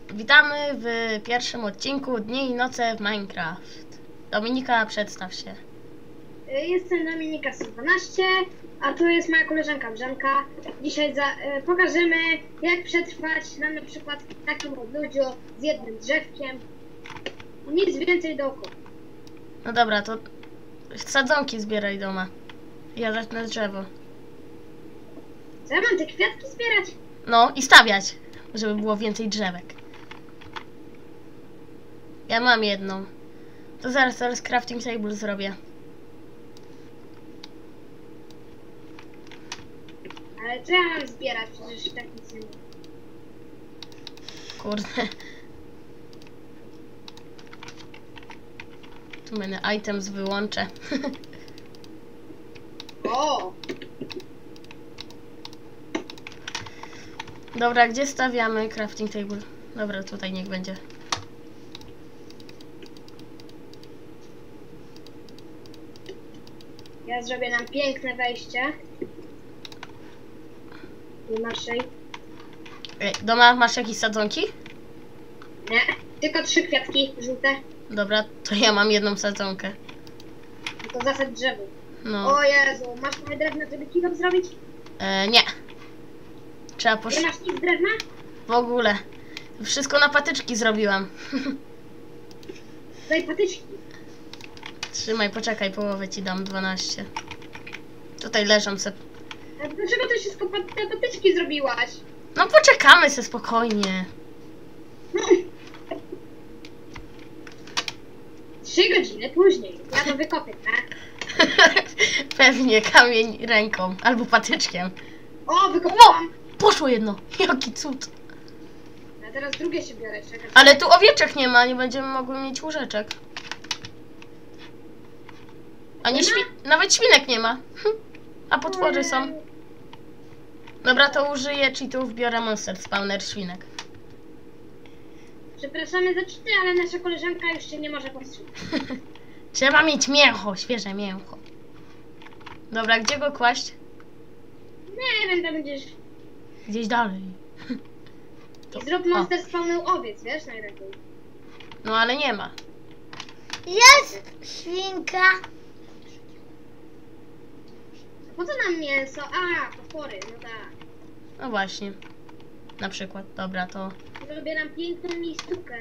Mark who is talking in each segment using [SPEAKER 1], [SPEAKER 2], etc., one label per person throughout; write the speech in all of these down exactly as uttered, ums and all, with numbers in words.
[SPEAKER 1] Witamy w pierwszym odcinku Dni i Noce w Minecraft. Dominika, przedstaw się.
[SPEAKER 2] Jestem Dominika sto dwanaście, a tu jest moja koleżanka Brzanka. Dzisiaj za, y, pokażemy, jak przetrwać na, na przykład w takim odludziu z jednym drzewkiem. Nic więcej dookoła.
[SPEAKER 1] No dobra, to sadzonki zbieraj doma. Ja zacznę drzewo.
[SPEAKER 2] Co ja mam te kwiatki zbierać?
[SPEAKER 1] No i stawiać, żeby było więcej drzewek. Ja mam jedną. To zaraz, zaraz crafting table zrobię.
[SPEAKER 2] Ale co ja mam zbierać? Przecież tak nic nie ma.
[SPEAKER 1] Kurde. Tu będę items wyłączę.
[SPEAKER 2] O!
[SPEAKER 1] Dobra, gdzie stawiamy crafting table? Dobra, tutaj niech będzie.
[SPEAKER 2] Ja zrobię nam piękne wejście. Nie naszej.
[SPEAKER 1] Ej, doma masz jakieś sadzonki?
[SPEAKER 2] Nie, tylko trzy kwiatki żółte.
[SPEAKER 1] Dobra, to ja mam jedną sadzonkę.
[SPEAKER 2] To zasadź drzewo.
[SPEAKER 1] No.
[SPEAKER 2] O Jezu, masz trochę drewna, żeby kilo zrobić?
[SPEAKER 1] E, nie. Trzeba posz...
[SPEAKER 2] Nie masz nic drewna?
[SPEAKER 1] W ogóle. Wszystko na patyczki zrobiłam.
[SPEAKER 2] Daj patyczki.
[SPEAKER 1] Trzymaj, poczekaj, połowę ci dam, dwanaście. Tutaj leżą se...
[SPEAKER 2] A dlaczego ty wszystko pat te patyczki zrobiłaś?
[SPEAKER 1] No poczekamy se spokojnie.
[SPEAKER 2] Trzy godziny później. Ja to wykopię, tak?
[SPEAKER 1] Pewnie kamień ręką albo patyczkiem.
[SPEAKER 2] O, wykopałam!
[SPEAKER 1] Poszło jedno. Jaki cud.
[SPEAKER 2] A teraz drugie się biorę, czekaj.
[SPEAKER 1] Ale tu owieczek nie ma, nie będziemy mogły mieć łóżeczek. Ani świ... Nawet świnek nie ma. A potwory są. Dobra, to użyję cheatów, biorę monster spawner świnek.
[SPEAKER 2] Przepraszamy za czyty, ale nasza koleżanka już się nie może powstrzymać.
[SPEAKER 1] Trzeba mieć mięcho, świeże mięcho. Dobra, gdzie go kłaść?
[SPEAKER 2] Nie wiem, tam będziesz...
[SPEAKER 1] Gdzieś dalej.
[SPEAKER 2] I zrób monster spawnu owiec, wiesz, najlepiej.
[SPEAKER 1] No ale nie ma.
[SPEAKER 3] Jest świnka.
[SPEAKER 2] Po co nam mięso? A, potwory, no tak.
[SPEAKER 1] No właśnie. Na przykład. Dobra, to
[SPEAKER 2] Zrobię nam piękną miejscówkę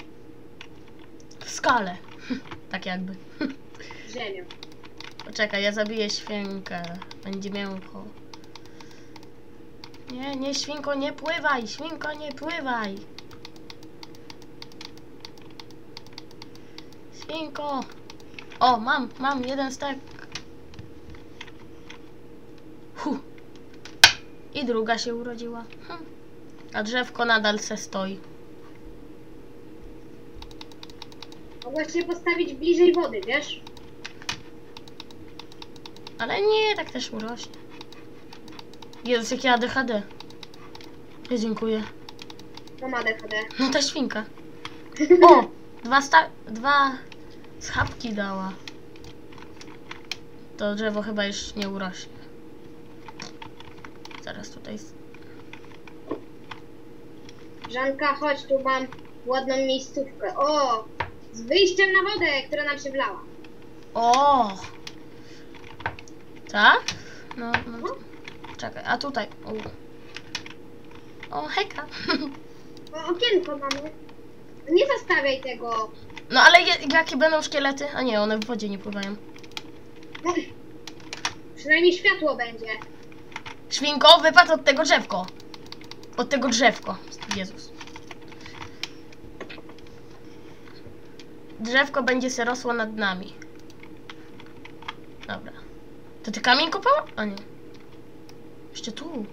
[SPEAKER 1] w skale. Tak jakby.
[SPEAKER 2] z ziemią.
[SPEAKER 1] Poczekaj, ja zabiję świnkę. Będzie mięcho. Nie, nie, świnko, nie pływaj! Świnko, nie pływaj! Świnko! O, mam, mam jeden stek. Hu. I druga się urodziła. Hm. A drzewko nadal se stoi.
[SPEAKER 2] Mogłaś się postawić bliżej wody, wiesz?
[SPEAKER 1] Ale nie, tak też urośnie. Jezus, jakie A D H D. Ja dziękuję.
[SPEAKER 2] To ma D H D.
[SPEAKER 1] No ta świnka. O! Dwa sta... Dwa... Schabki dała. To drzewo chyba już nie urośnie. Zaraz tutaj...
[SPEAKER 2] Żanka, chodź, tu mam ładną miejscówkę. O! Z wyjściem na wodę, która nam się wlała.
[SPEAKER 1] O! Tak? No, no. Czekaj, a tutaj... O, o hejka.
[SPEAKER 2] O, okienko mamy. Nie zostawiaj tego.
[SPEAKER 1] No ale je, jakie będą szkielety? A nie, one w wodzie nie pływają.
[SPEAKER 2] No, przynajmniej światło będzie.
[SPEAKER 1] Świnko, wypadł od tego drzewko. Od tego drzewko. Jezus. Drzewko będzie se rosło nad nami. Dobra. To ty kamień kopała? A nie. Jeszcze tu.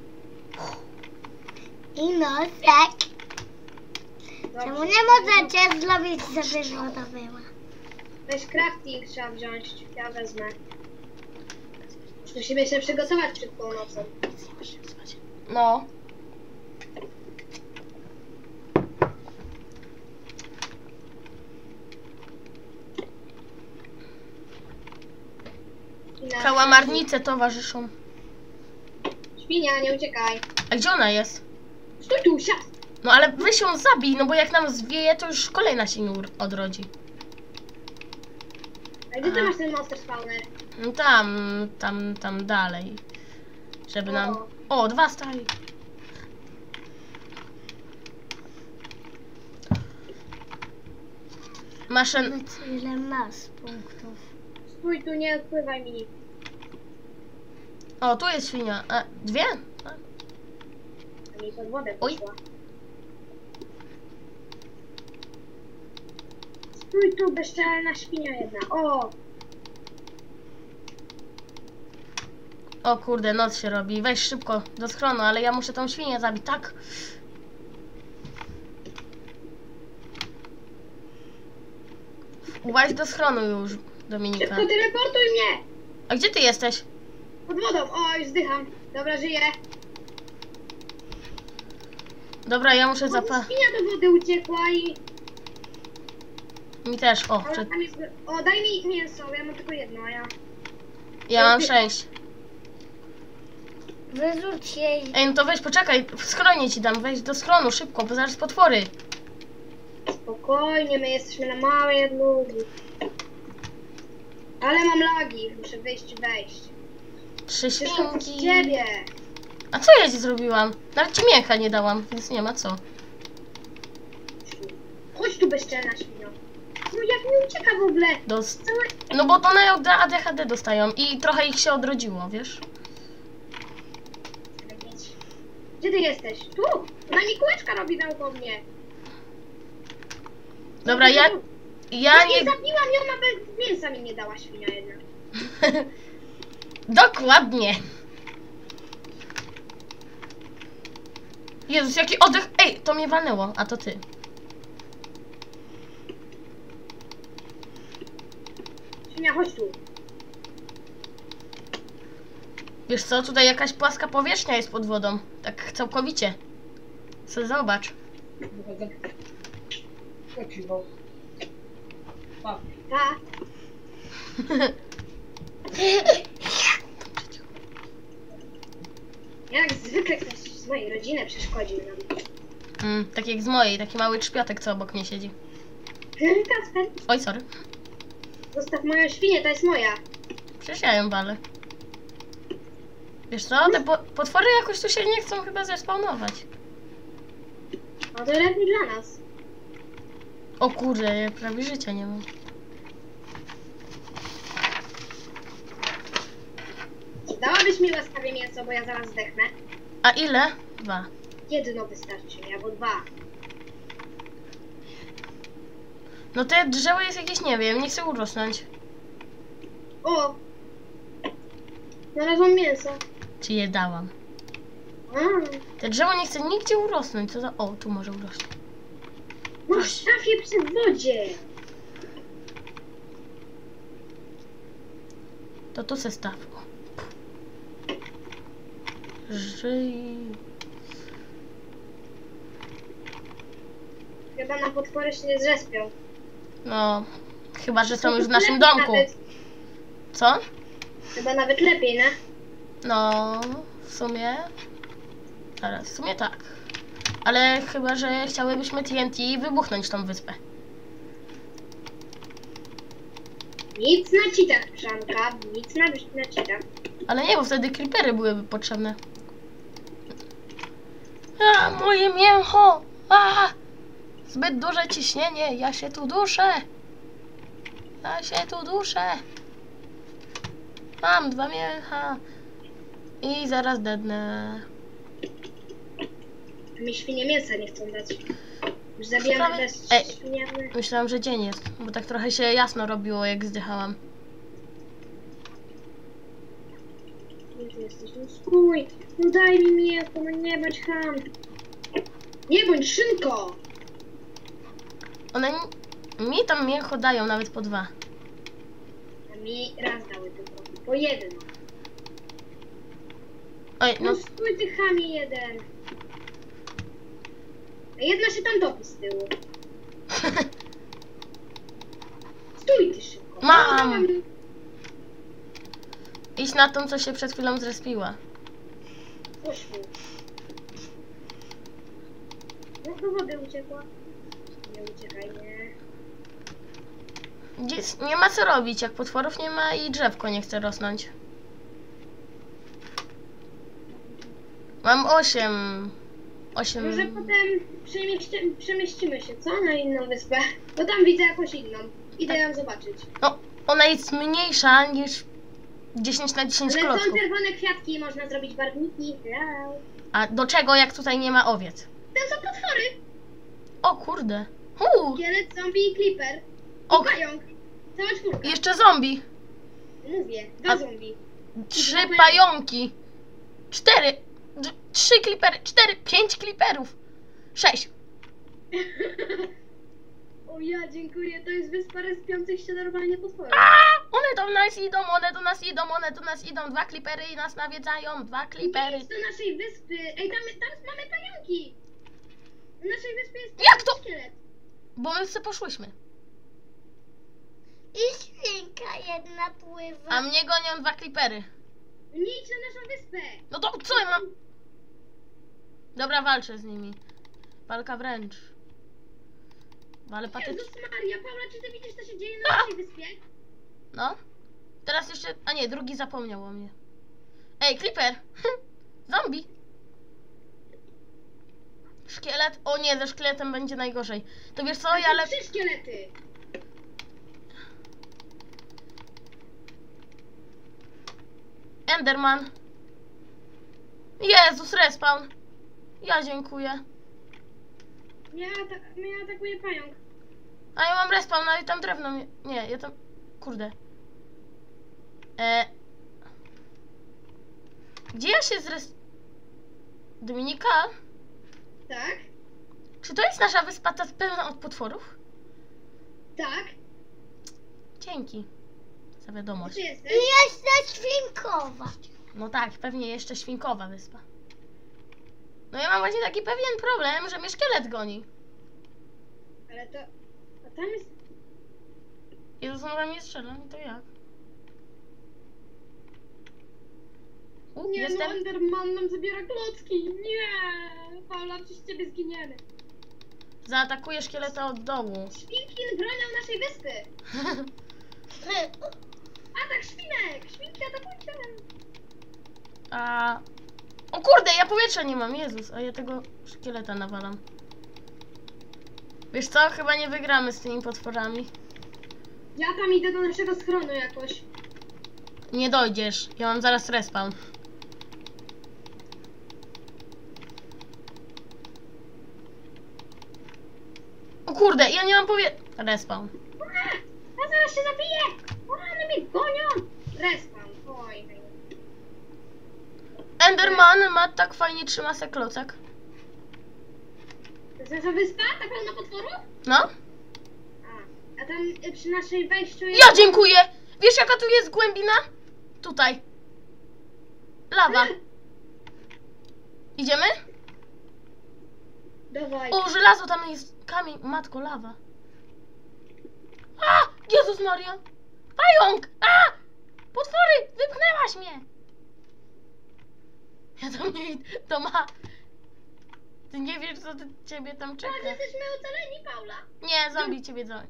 [SPEAKER 3] I nosek. Czemu nie możecie zrobić, żeby woda była?
[SPEAKER 2] Weź crafting trzeba wziąć. Ja wezmę. Musimy się przygotować przed północą.
[SPEAKER 1] No. Kałamarnice towarzyszą.
[SPEAKER 2] Świnia, nie uciekaj.
[SPEAKER 1] A gdzie ona jest?
[SPEAKER 2] Stój tu, siad.
[SPEAKER 1] No ale weź ją zabij, no bo jak nam zwieje, to już kolejna się nie ur- odrodzi.
[SPEAKER 2] A gdzie ty
[SPEAKER 1] A.
[SPEAKER 2] masz ten monster spawner?
[SPEAKER 1] No tam, tam, tam dalej. Żeby nam...
[SPEAKER 2] O.
[SPEAKER 1] O, dwa stali. Masz... en-
[SPEAKER 3] Powiedz, ile masz punktów.
[SPEAKER 2] Stój tu, nie odpływaj mi.
[SPEAKER 1] O, tu jest świnia. A, dwie? A,
[SPEAKER 2] A mi pod wodę
[SPEAKER 1] Oj.
[SPEAKER 2] poszła. Stój tu, bezczelna świnia jedna. O!
[SPEAKER 1] O kurde, noc się robi. Weź szybko do schronu, ale ja muszę tą świnię zabić, tak? Właź do schronu już, Dominika.
[SPEAKER 2] Szybko teleportuj mnie!
[SPEAKER 1] A gdzie ty jesteś?
[SPEAKER 2] Pod wodą. O, już zdycham. Dobra, żyję.
[SPEAKER 1] Dobra, ja muszę
[SPEAKER 2] O,
[SPEAKER 1] zapa...
[SPEAKER 2] świnia do wody uciekła i...
[SPEAKER 1] Mi też, o,
[SPEAKER 2] Ale
[SPEAKER 1] przed...
[SPEAKER 2] tam jest... O, daj mi mięso, ja mam tylko jedno, a ja...
[SPEAKER 1] ja mam sześć.
[SPEAKER 3] Wyrzuć jej.
[SPEAKER 1] Ej, no to weź, poczekaj, w schronie ci dam, weź do schronu, szybko, bo zaraz potwory.
[SPEAKER 2] Spokojnie, my jesteśmy na małej odlugi. Ale mam lagi, muszę wyjść i wejść.
[SPEAKER 1] Trzy
[SPEAKER 2] Wszystko przez
[SPEAKER 1] świnki.
[SPEAKER 2] ciebie.
[SPEAKER 1] A co ja ci zrobiłam? Nawet ci mięcha nie dałam, więc nie ma co.
[SPEAKER 2] Chodź tu, bezczelna świnio. No jak mi ucieka w ogóle?
[SPEAKER 1] Dos...
[SPEAKER 2] Całe...
[SPEAKER 1] No bo one od A D H D dostają i trochę ich się odrodziło, wiesz?
[SPEAKER 2] Gdzie ty jesteś? Tu! Ona mi kółeczka robi naokoło mnie.
[SPEAKER 1] Dobra, ja... Ja
[SPEAKER 2] Ja nie
[SPEAKER 1] nie...
[SPEAKER 2] zabiłam ją, a bez mięsa mi nie dała świnia jedna.
[SPEAKER 1] Dokładnie. Jezus, jaki oddech... Ej, to mnie walnęło, a to ty.
[SPEAKER 2] Świnia, chodź tu.
[SPEAKER 1] Wiesz co, tutaj jakaś płaska powierzchnia jest pod wodą. Tak całkowicie. Co zobacz.
[SPEAKER 2] Ta. Jak zwykle ktoś z mojej rodziny przeszkodził nam.
[SPEAKER 1] Mm, tak jak z mojej, taki mały trzpiotek, co obok mnie siedzi.
[SPEAKER 2] Kasper,
[SPEAKER 1] Oj, sorry.
[SPEAKER 2] zostaw moją świnię, to jest moja.
[SPEAKER 1] Przecież ja ją walę. Wiesz co, te po potwory jakoś tu się nie chcą chyba zespawnować.
[SPEAKER 2] A to lepiej dla nas.
[SPEAKER 1] O kurde, ja prawie życia nie mam.
[SPEAKER 2] Dałabyś mi łaskawie mięso, bo ja zaraz zdechnę.
[SPEAKER 1] A ile? Dwa.
[SPEAKER 2] Jedno wystarczy mi, albo dwa.
[SPEAKER 1] No te drzewo jest jakieś, nie wiem, nie chcę urosnąć.
[SPEAKER 2] O! Znalazłam mięso.
[SPEAKER 1] Czy je dałam?
[SPEAKER 2] A,
[SPEAKER 1] Te drzewo nie chce nigdzie urosnąć, co za... O, tu może urosnąć.
[SPEAKER 2] no w szafie przy wodzie.
[SPEAKER 1] To tu se staw. Żyj...
[SPEAKER 2] Chyba na potwory się nie zrespią.
[SPEAKER 1] No, chyba, że są
[SPEAKER 2] To
[SPEAKER 1] już w
[SPEAKER 2] lepiej
[SPEAKER 1] naszym domku.
[SPEAKER 2] Nawet,
[SPEAKER 1] Co?
[SPEAKER 2] chyba nawet lepiej, nie?
[SPEAKER 1] No, w sumie... Zaraz, w sumie tak. Ale chyba, że chciałybyśmy T N T wybuchnąć tą wyspę.
[SPEAKER 2] Nic na cheatach, Przanka. Nic na, na cheatach.
[SPEAKER 1] Ale nie, bo wtedy creepery byłyby potrzebne. A, moje mięcho! A! Zbyt duże ciśnienie, ja się tu duszę! Ja się tu duszę! Mam dwa mięcha. I zaraz dednę.
[SPEAKER 2] Mi świnie mięsa nie chcą dać. Już zabijam
[SPEAKER 1] Sprawy-
[SPEAKER 2] też
[SPEAKER 1] Ej.
[SPEAKER 2] świniany.
[SPEAKER 1] Myślałam, że dzień jest, bo tak trochę się jasno robiło, jak zdychałam.
[SPEAKER 2] Gdzie ty jesteś? No stój! No daj mi mięso, no nie bądź ham. Nie bądź szynko!
[SPEAKER 1] One mi- mi tam mięcho dają nawet po dwa.
[SPEAKER 2] A mi raz dały tylko. Po jedno.
[SPEAKER 1] Oj,
[SPEAKER 2] No
[SPEAKER 1] no
[SPEAKER 2] stój ty chamie jeden. A jedna się tam topi z tyłu. Stój ty szybko.
[SPEAKER 1] Mam! idź na tą, co się przed chwilą zrespiła.
[SPEAKER 2] Poszło. No do wody uciekła. Nie uciekaj, nie.
[SPEAKER 1] Gdzie, nie ma co robić, jak potworów nie ma i drzewko nie chce rosnąć. Mam osiem. Osiem.
[SPEAKER 2] Może potem przemieści, przemieścimy się, co? Na inną wyspę. Bo tam widzę jakąś inną. Idę ją zobaczyć.
[SPEAKER 1] No, ona jest mniejsza niż dziesięć na dziesięć
[SPEAKER 2] Ale są
[SPEAKER 1] klocków.
[SPEAKER 2] czerwone kwiatki, można zrobić barwniki. Wow.
[SPEAKER 1] A do czego, jak tutaj nie ma owiec?
[SPEAKER 2] Tam są potwory.
[SPEAKER 1] O kurde. Uu,
[SPEAKER 2] Kielet, zombie i creeper. I
[SPEAKER 1] ok.
[SPEAKER 2] pająk. Cała czwórka.
[SPEAKER 1] Jeszcze zombie.
[SPEAKER 2] Mówię, dwa
[SPEAKER 1] A-
[SPEAKER 2] zombie.
[SPEAKER 1] Trzy pająki. Cztery. D- Trzy klipery. Cztery. Pięć kliperów. Sześć.
[SPEAKER 2] O ja, dziękuję. To jest wyspa respiących się normalnie potworów.
[SPEAKER 1] A, one do nas idą, one do nas idą, one do nas idą. Dwa klipery i nas nawiedzają. Dwa klipery.
[SPEAKER 2] Idź do naszej wyspy. Ej, tam, tam mamy pająki. Na naszej wyspie jest
[SPEAKER 1] Jak to?
[SPEAKER 2] szkielet.
[SPEAKER 1] Bo my sobie poszłyśmy.
[SPEAKER 3] I świnka jedna pływa.
[SPEAKER 1] A mnie gonią dwa klipery.
[SPEAKER 2] Nie idź na naszą wyspę.
[SPEAKER 1] No to co ja mam? Dobra, walczę z nimi. Walka wręcz. Ale patycznie.
[SPEAKER 2] Jezus Maria, Paula, czy ty widzisz, co się dzieje na naszej wyspie?
[SPEAKER 1] No. Teraz jeszcze... A nie, drugi zapomniał o mnie. Ej, Clipper! Zombie! Szkielet? O nie, ze szkieletem będzie najgorzej. To wiesz co,
[SPEAKER 2] Tam
[SPEAKER 1] ja
[SPEAKER 2] są
[SPEAKER 1] le...
[SPEAKER 2] trzy szkielety.
[SPEAKER 1] Enderman. Jezus, respawn. Ja dziękuję.
[SPEAKER 2] Mnie, ata- mnie atakuje pająk.
[SPEAKER 1] A ja mam respawn, ale tam drewno mnie... Nie, ja tam... Kurde. E... Gdzie ja się zres... Dominika?
[SPEAKER 2] Tak?
[SPEAKER 1] Czy to jest nasza wyspa ta pełna od potworów?
[SPEAKER 2] Tak?
[SPEAKER 1] Dzięki za
[SPEAKER 2] Gdzie
[SPEAKER 1] wiadomość.
[SPEAKER 2] ty jesteś?
[SPEAKER 3] I jeszcze świnkowa.
[SPEAKER 1] No tak, pewnie jeszcze świnkowa wyspa. No ja mam właśnie taki pewien problem, że mnie szkielet goni.
[SPEAKER 2] Ale to... A tam jest...
[SPEAKER 1] Jezus, on we mnie strzela, i to jak? U,
[SPEAKER 2] Nie,
[SPEAKER 1] jestem.
[SPEAKER 2] no Enderman nam zabiera klocki. Nie! Paula, przez ciebie zginiemy.
[SPEAKER 1] Zaatakuję szkieleta od dołu.
[SPEAKER 2] Świnki bronią naszej wyspy. Atak świnek! Świnki atakujcie!
[SPEAKER 1] A... O kurde, ja powietrza nie mam, Jezus, a ja tego szkieleta nawalam. Wiesz co, chyba nie wygramy z tymi potworami.
[SPEAKER 2] Ja tam idę do naszego schronu jakoś.
[SPEAKER 1] Nie dojdziesz, ja mam zaraz respawn. O kurde, ja nie mam powie... Respawn.
[SPEAKER 2] Ura! Ja zaraz się zabiję! Ura, one mnie gonią! Respawn. Oj.
[SPEAKER 1] Enderman ma tak fajnie trzyma se klocek.
[SPEAKER 2] To jest nasza wyspa? Ta pełna potworów?
[SPEAKER 1] No.
[SPEAKER 2] A, a tam y, przy naszej wejściu jest...
[SPEAKER 1] Ja dziękuję! Wiesz jaka tu jest głębina? Tutaj. Lawa. Idziemy?
[SPEAKER 2] Dawaj.
[SPEAKER 1] O, żelazo, tam jest kamień. Matko, lawa. A! Jezus Maria! Pająk! A! Potwory! Wypchnęłaś mnie! Ja tam nie idę. To ma... Ty nie wiesz, co ty, ciebie tam
[SPEAKER 2] Tak,
[SPEAKER 1] czeka.
[SPEAKER 2] jesteśmy ocaleni, Paula.
[SPEAKER 1] Nie, zombie ciebie za...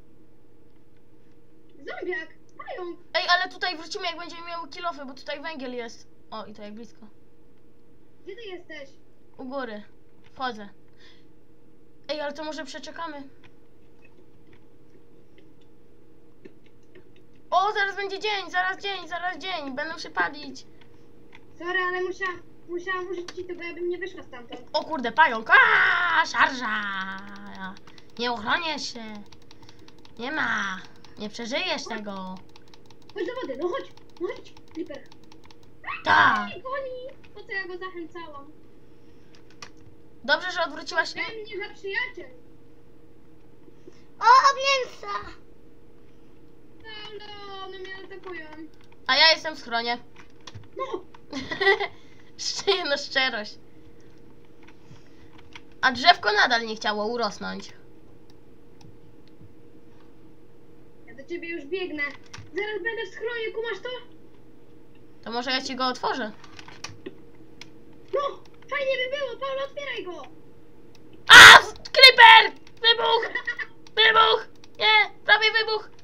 [SPEAKER 2] Zombiak. Pająk.
[SPEAKER 1] Ej, ale tutaj wrócimy, jak będziemy miały kilofy, bo tutaj węgiel jest. O, i to jak blisko.
[SPEAKER 2] Gdzie ty jesteś?
[SPEAKER 1] U góry. Wchodzę. Ej, ale to może przeczekamy. O, zaraz będzie dzień, zaraz dzień, zaraz dzień. Będą się palić.
[SPEAKER 2] Sorry, ale musiałam, musiałam użyć ci to, bo ja bym nie wyszła stamtąd.
[SPEAKER 1] O kurde, pająk. Aaa, szarża. Nie ochronię się. Nie ma. Nie przeżyjesz tego.
[SPEAKER 2] Chodź do wody, no chodź, no chodź, Clipper.
[SPEAKER 1] Tak.
[SPEAKER 2] Ej, goni! Po co ja go zachęcałam?
[SPEAKER 1] Dobrze, że odwróciłaś się.
[SPEAKER 2] Ten mnie za przyjaciel.
[SPEAKER 3] O, mięsa.
[SPEAKER 2] Paulo, one mnie atakują.
[SPEAKER 1] A ja jestem w schronie.
[SPEAKER 2] No,
[SPEAKER 1] Szczerze, no szczerość. A drzewko nadal nie chciało urosnąć.
[SPEAKER 2] ja do ciebie już biegnę. Zaraz będę w schronie, kumasz to?
[SPEAKER 1] To może ja ci go otworzę.
[SPEAKER 2] No, fajnie by było, Paulo, otwieraj go.
[SPEAKER 1] A!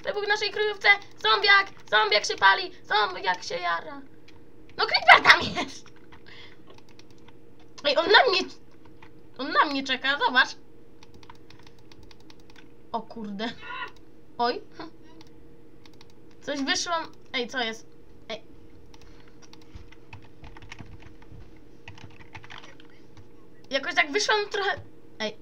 [SPEAKER 1] wybuch w naszej kryjówce, zombiak, zombiak się pali, zombiak się jara. No creeper tam jest. Ej, on na mnie, on na mnie czeka, zobacz. O kurde. Oj. Coś wyszłam. Ej, co jest? Ej. Jakoś tak wyszłam trochę. Ej.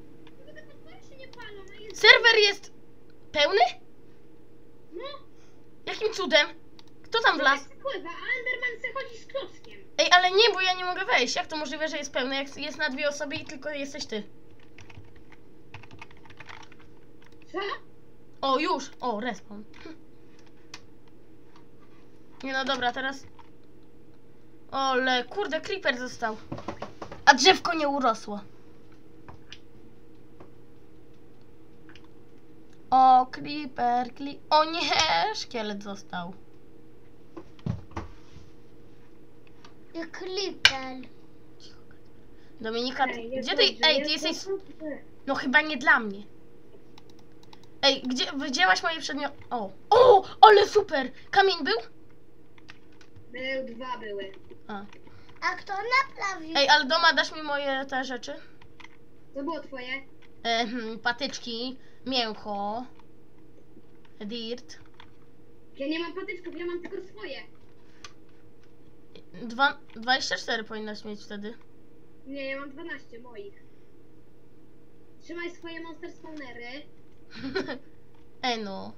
[SPEAKER 1] Serwer jest pełny?
[SPEAKER 2] No,
[SPEAKER 1] Jakim cudem? Kto tam wlazł?
[SPEAKER 2] wpływa, a Enderman se chodzi z klockiem.
[SPEAKER 1] Ej, ale nie, bo ja nie mogę wejść. Jak to możliwe, że jest pełny, jak jest na dwie osoby i tylko jesteś ty?
[SPEAKER 2] Co?
[SPEAKER 1] O, już! O, respawn. Nie no dobra, teraz... Ole, kurde, creeper został. A drzewko nie urosło. O, creeper, kli... O nie, szkielet został.
[SPEAKER 3] I klipel.
[SPEAKER 1] Dominika, ty,
[SPEAKER 2] Ej,
[SPEAKER 1] gdzie
[SPEAKER 2] jest
[SPEAKER 1] ty...
[SPEAKER 2] dobrze,
[SPEAKER 1] Ej, ty
[SPEAKER 2] jest
[SPEAKER 1] jesteś...
[SPEAKER 2] dobrze.
[SPEAKER 1] No chyba nie dla mnie. Ej, gdzie... Wzięłaś moje przedmioty... O! O! Ale super! Kamień był?
[SPEAKER 2] Był, dwa były.
[SPEAKER 1] A.
[SPEAKER 3] A kto naprawił?
[SPEAKER 1] Ej, ale doma dasz mi moje te rzeczy?
[SPEAKER 2] Co było twoje?
[SPEAKER 1] E, hmm, patyczki, mięcho, dirt.
[SPEAKER 2] Ja nie mam patyczków, ja mam tylko swoje.
[SPEAKER 1] Dwa, dwadzieścia cztery powinnaś mieć wtedy.
[SPEAKER 2] Nie, ja mam dwanaście moich. Trzymaj swoje monster spawnery.
[SPEAKER 1] Ej no.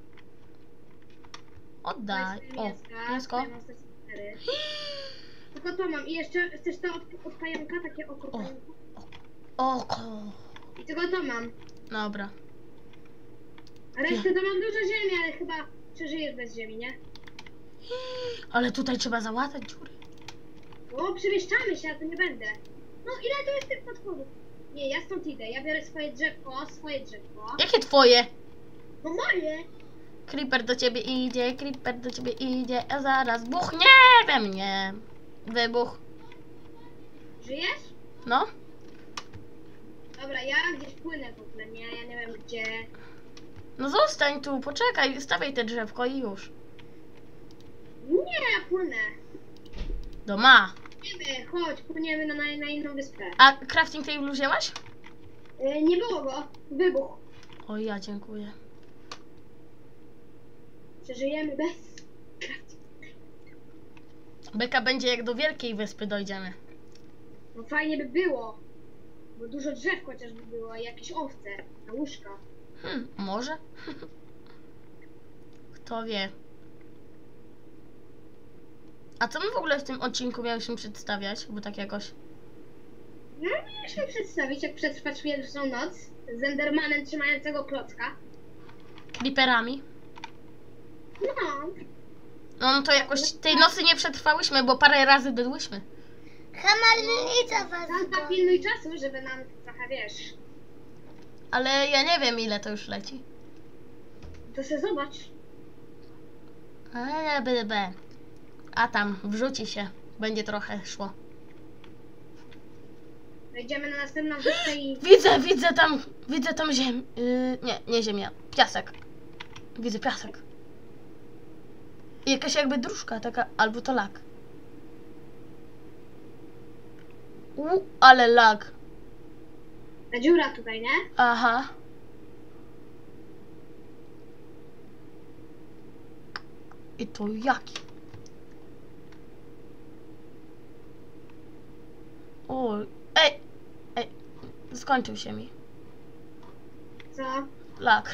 [SPEAKER 1] Oddaj.
[SPEAKER 2] Trzymaj
[SPEAKER 1] O,
[SPEAKER 2] swoje mięska,
[SPEAKER 1] mięsko.
[SPEAKER 2] swoje monster spawnery. Tylko to mam. I jeszcze chcesz to od, od pająka, takie oko
[SPEAKER 1] O.
[SPEAKER 2] pająka.
[SPEAKER 1] Oko.
[SPEAKER 2] I tylko to mam.
[SPEAKER 1] Dobra.
[SPEAKER 2] A resztę to mam dużo ziemi, ale chyba przeżyjesz bez ziemi, nie?
[SPEAKER 1] Ale tutaj trzeba załatać dziury.
[SPEAKER 2] O, przemieszczamy się, a to nie będę. No, ile tu jest tych potworów? Nie, ja stąd idę. Ja biorę swoje drzewko, swoje drzewko.
[SPEAKER 1] Jakie twoje?
[SPEAKER 2] No moje!
[SPEAKER 1] Creeper do ciebie idzie, creeper do ciebie idzie, a zaraz buchnie we mnie. Wybuch.
[SPEAKER 2] Żyjesz?
[SPEAKER 1] No.
[SPEAKER 2] Dobra, ja gdzieś płynę w ogóle, nie? Ja nie wiem gdzie.
[SPEAKER 1] No zostań tu, poczekaj, stawiaj te drzewko i już.
[SPEAKER 2] Nie, ja płynę.
[SPEAKER 1] Doma.
[SPEAKER 2] Płyniemy, chodź, płyniemy na, na, na inną wyspę.
[SPEAKER 1] A crafting table wzięłaś?
[SPEAKER 2] Yy, nie było go. Wybuch.
[SPEAKER 1] O, ja dziękuję.
[SPEAKER 2] Przeżyjemy bez.
[SPEAKER 1] Beka będzie jak do wielkiej wyspy dojdziemy.
[SPEAKER 2] No fajnie by było. Bo dużo drzew chociażby było i jakieś owce na łóżka.
[SPEAKER 1] Hmm, może? Kto wie. A co my w ogóle w tym odcinku miałyśmy przedstawiać? Bo tak jakoś...
[SPEAKER 2] No, mieliśmy przedstawić, jak przetrwać pierwszą noc z Endermanem trzymającego klocka.
[SPEAKER 1] Creeperami.
[SPEAKER 2] No,
[SPEAKER 1] No to jakoś tej nocy nie przetrwałyśmy, bo parę razy dodłyśmy.
[SPEAKER 3] Hamalnica was
[SPEAKER 2] Santa,
[SPEAKER 3] goni.
[SPEAKER 2] pilnuj czasu, żeby nam trochę, wiesz,
[SPEAKER 1] Ale ja nie wiem ile to już leci.
[SPEAKER 2] to se zobacz.
[SPEAKER 1] Ale b, b. A tam, wrzuci się. Będzie trochę szło.
[SPEAKER 2] Wejdziemy na następną wyspę i...
[SPEAKER 1] Widzę, widzę tam, widzę tam ziemię. Yy, nie, nie ziemia, piasek. Widzę piasek. I jakaś jakby dróżka taka, albo to lag. U, ale lag.
[SPEAKER 2] Ta dziura tutaj, nie?
[SPEAKER 1] Aha. I to jaki? O, ej, ej, skończył się mi.
[SPEAKER 2] Co?
[SPEAKER 1] Lag.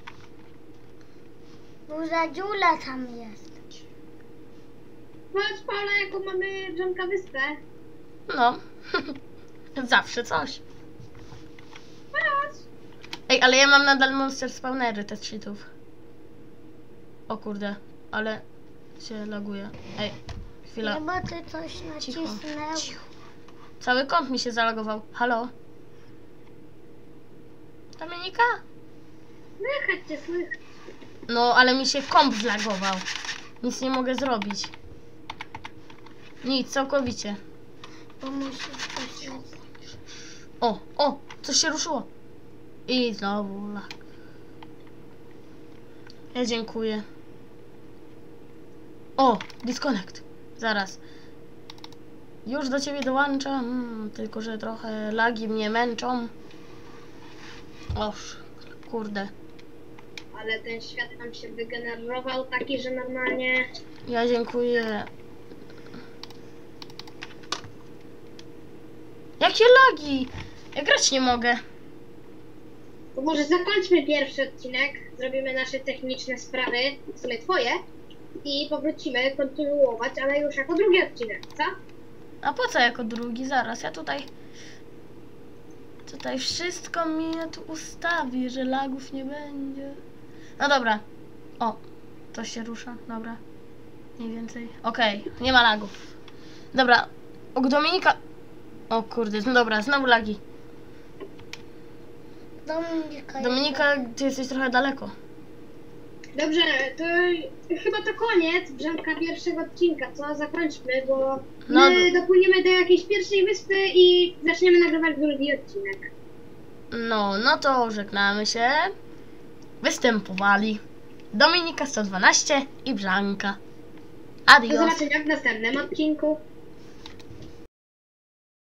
[SPEAKER 3] Duża dziula tam jest.
[SPEAKER 2] Patrz, Paula, jaką mamy Dżonka wyspę.
[SPEAKER 1] No, zawsze coś.
[SPEAKER 2] Patrz.
[SPEAKER 1] Ej, ale ja mam nadal monster spawnery te cheatów. O kurde, ale się laguje. Ej, chwila.
[SPEAKER 3] Nie, bo ty coś
[SPEAKER 1] Cicho,
[SPEAKER 3] nacisnęł.
[SPEAKER 1] cicho. Cały kąt mi się zalogował. Halo? Dominika?
[SPEAKER 2] Słychać cię, słychać.
[SPEAKER 1] No, ale mi się komp zlagował. Nic nie mogę zrobić. Nic, całkowicie.
[SPEAKER 3] Bo musisz coś nacisnąć.
[SPEAKER 1] O, o, coś się ruszyło. I znowu lag. Ja dziękuję. O, disconnect. Zaraz. Już do ciebie dołączam, mm, tylko że trochę lagi mnie męczą. Oż, kurde.
[SPEAKER 2] Ale ten świat nam się wygenerował taki, że normalnie...
[SPEAKER 1] Ja dziękuję. Jakie lagi? Ja grać nie mogę.
[SPEAKER 2] To może zakończmy pierwszy odcinek, zrobimy nasze techniczne sprawy, w sumie twoje, i powrócimy kontynuować, ale już jako drugi odcinek, co?
[SPEAKER 1] A po co jako drugi? Zaraz, ja tutaj... Tutaj wszystko mi tu ustawi, że lagów nie będzie. No dobra. O, coś się rusza, dobra. Mniej więcej. Okej, nie ma lagów. Dobra, o Dominika... O kurde, no dobra, znowu lagi.
[SPEAKER 3] Dominika.
[SPEAKER 1] Dominika, ty jesteś trochę daleko.
[SPEAKER 2] Dobrze, to chyba to koniec Brzanka pierwszego odcinka, co? Zakończmy, bo
[SPEAKER 1] No.
[SPEAKER 2] my dopłyniemy do jakiejś pierwszej wyspy i zaczniemy nagrywać drugi odcinek.
[SPEAKER 1] No, no to żegnamy się. Występowali Dominika sto dwanaście i Brzanka.
[SPEAKER 2] Do
[SPEAKER 1] Adios.
[SPEAKER 2] zobaczenia w następnym odcinku.